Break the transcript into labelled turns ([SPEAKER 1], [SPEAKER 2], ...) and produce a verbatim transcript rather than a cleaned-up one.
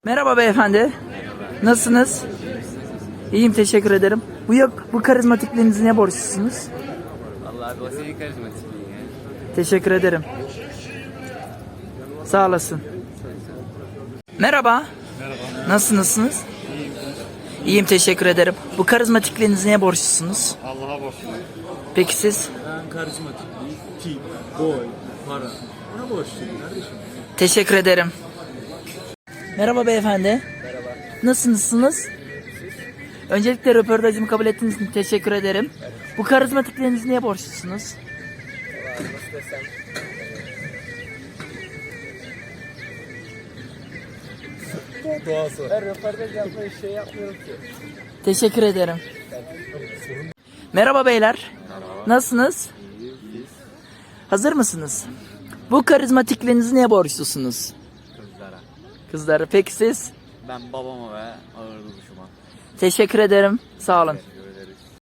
[SPEAKER 1] Merhaba beyefendi. Nasılsınız? İyiyim, teşekkür ederim. Bu yok, bu karizmatikliğinizi ne borçlusunuz?
[SPEAKER 2] Vallahi abi o senin karizmatikliğin ya.
[SPEAKER 1] Teşekkür ederim. Sağ olasın. Merhaba.
[SPEAKER 3] Merhaba.
[SPEAKER 1] Nasılsınız?
[SPEAKER 3] İyiyim.
[SPEAKER 1] İyiyim, teşekkür ederim. Bu karizmatikliğinizi neye borçlusunuz?
[SPEAKER 3] Allah'a borçluyum.
[SPEAKER 1] Peki siz?
[SPEAKER 4] Ben karizmatik, tip, boy, para. Ona borçluyum kardeşim.
[SPEAKER 1] Teşekkür ederim. Merhaba beyefendi. Merhaba. Nasılsınız? Öncelikle röportajımı kabul ettiğiniz için teşekkür ederim. Bu karizmatikliğinizi neye borçlusunuz?
[SPEAKER 4] Doğası.
[SPEAKER 2] Ben röportaj yapmayı şey yapmıyorum ki.
[SPEAKER 1] Teşekkür ederim. Merhaba beyler. Nasılsınız? Hazır mısınız? Bu karizmatikliğinizi neye borçlusunuz?
[SPEAKER 2] Kızlara.
[SPEAKER 1] Kızlar, peki siz?
[SPEAKER 2] Ben babama ve ağır duruşuma.
[SPEAKER 1] Teşekkür ederim. Sağ olun.